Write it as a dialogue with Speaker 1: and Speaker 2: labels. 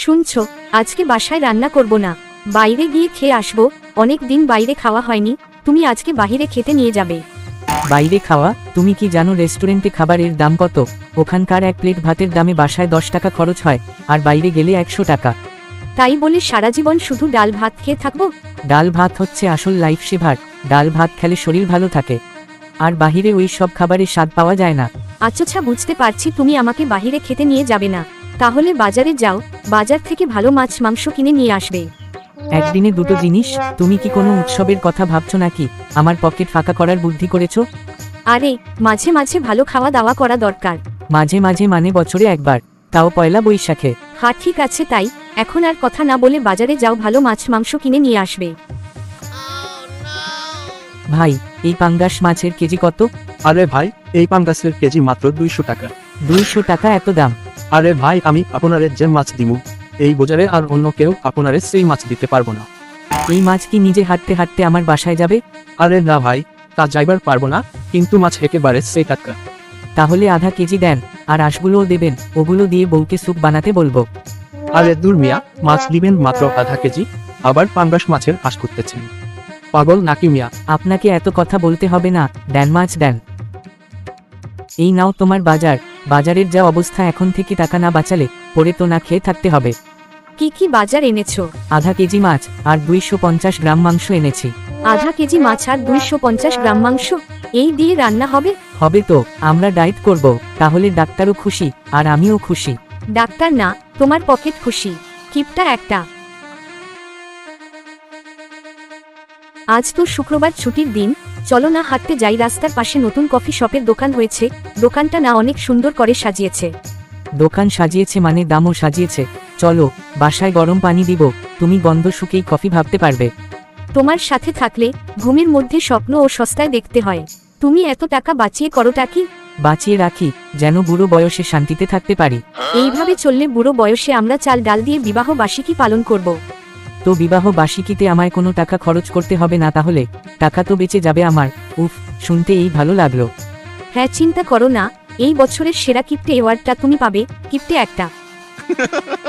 Speaker 1: শুনছো, আজকে বাসায় রান্না করব না, বাইরে গিয়ে খেয়ে আসবো। অনেক দিন বাইরে খাওয়া হয়নি, তুমি আজকে বাইরে খেতে নিয়ে যাবে।
Speaker 2: বাইরে খাওয়া? তুমি কি জানো রেস্টুরেন্টে খাবারের দাম কত? ওখানকার এক প্লেট ভাতের দামে বাসায় 10 টাকা খরচ হয়, আর বাইরে গেলে 100 টাকা।
Speaker 1: তাই বলে সারা জীবন শুধু ডাল ভাত খেয়ে থাকবো?
Speaker 2: ডাল ভাত হচ্ছে আসল লাইফ সেভার। ডাল ভাত খেলে শরীর ভালো থাকে, আর বাহিরে ওই সব খাবারের স্বাদ পাওয়া যায় না।
Speaker 1: আচ্ছা, বুঝতে পারছি তুমি আমাকে বাইরে খেতে নিয়ে যাবে না, তাহলে বাজারে যাও, বাজার থেকে ভালো মাছ মাংস কিনে নিয়ে আসবে।
Speaker 2: একদিনে দুটো জিনিস? তুমি কি কোনো উৎসবের কথা ভাবছো নাকি? আমার পকেট ফাঁকা করার বুদ্ধি করেছো?
Speaker 1: আরে, মাঝে মাঝে ভালো খাওয়া দাওয়া করা দরকার।
Speaker 2: মাঝে মাঝে মানে বছরে একবার, তাও পয়লা বৈশাখে।
Speaker 1: হ্যাঁ ঠিক আছে, তাই এখন আর কথা না বলে বাজারে যাও, ভালো মাছ মাংস কিনে নিয়ে আসবে।
Speaker 2: ভাই, এই পাঙ্গাস মাছের কেজি কত?
Speaker 3: আরে ভাই, এই পাঙ্গাসের কেজি মাত্র 200 টাকা।
Speaker 2: 200 টাকা এত দাম?
Speaker 3: আরে ভাই, আমি আপনারে যে মাছ দিমু, এই বাজারে আর অন্য কেউ আপনারে সেই মাছ দিতে পারবো না।
Speaker 2: এই মাছ কি নিজে হাঁটতে হাঁটতে আমার বাসায় যাবে?
Speaker 3: আরে না ভাই, তা যাইবার পারবো না, কিন্তু মাছ একেবারে সেই টাটকা।
Speaker 2: তাহলে আধা কেজি দেন, আর আঁশগুলোও দেবেন, ওগুলো দিয়ে বউকে স্যুপ বানাতে বলবো।
Speaker 3: আরে দূর মিয়া, মাছ দিবেন মাত্র আধা কেজি, আবার পাঙ্গাস মাছের আশ করতেছেন? পাগল নাকি মিয়া?
Speaker 2: আপনাকে এত কথা বলতে হবে না, দেন মাছ দেন। এই নাও তোমার বাজার। বাজারের যা অবস্থা, এখন থেকে টাকা না বাঁচালে পরে তো না খেয়ে থাকতে হবে।
Speaker 1: কি কি বাজার এনেছো?
Speaker 2: আধা কেজি মাছ আর 250 গ্রাম মাংস এনেছি।
Speaker 1: আধা কেজি মাছ আর 250 গ্রাম মাংস, এই দিয়ে রান্না হবে?
Speaker 2: হবে তো, আমরা ডায়েট করব, তাহলে ডাক্তারও খুশি আর আমিও খুশি।
Speaker 1: ডাক্তার না, তোমার পকেট খুশি। কিপটা একটা। আজ তো শুক্রবার, ছুটির দিন, চলো না হাঁটতে যাই। রাস্তার পাশে নতুন কফি শপের দোকান হয়েছে, দোকানটা না অনেক সুন্দর করে সাজিয়েছে।
Speaker 2: দোকান সাজিয়েছে মানে দামও সাজিয়েছে। চলো, বাসায় গরম পানি দিব, তুমি গন্ধ শুকেই কফি ভাবতে পারবে।
Speaker 1: তোমার সাথে থাকলে ঘুমের মধ্যে স্বপ্ন ও সস্তায় দেখতে হয়। তুমি এত টাকা বাঁচিয়ে করোটা কি?
Speaker 2: বাঁচিয়ে রাখি, যেন বুড়ো বয়সে শান্তিতে থাকতে পারি।
Speaker 1: এইভাবে চললে বুড়ো বয়সে আমরা চাল ডাল দিয়ে বিবাহ বার্ষিকী পালন করব।
Speaker 2: তো বিবাহ বার্ষিকীতে আমায় কোনো টাকা খরচ করতে হবে না তাহলে? টাকা তো বেঁচে যাবে আমার। উফ, শুনতে এই ভালো লাগলো।
Speaker 1: হ্যাঁ, চিন্তা করো না, এই বছরের সেরা কিপ্টে অ্যাওয়ার্ডটা তুমি পাবে। কিপ্টে একটা।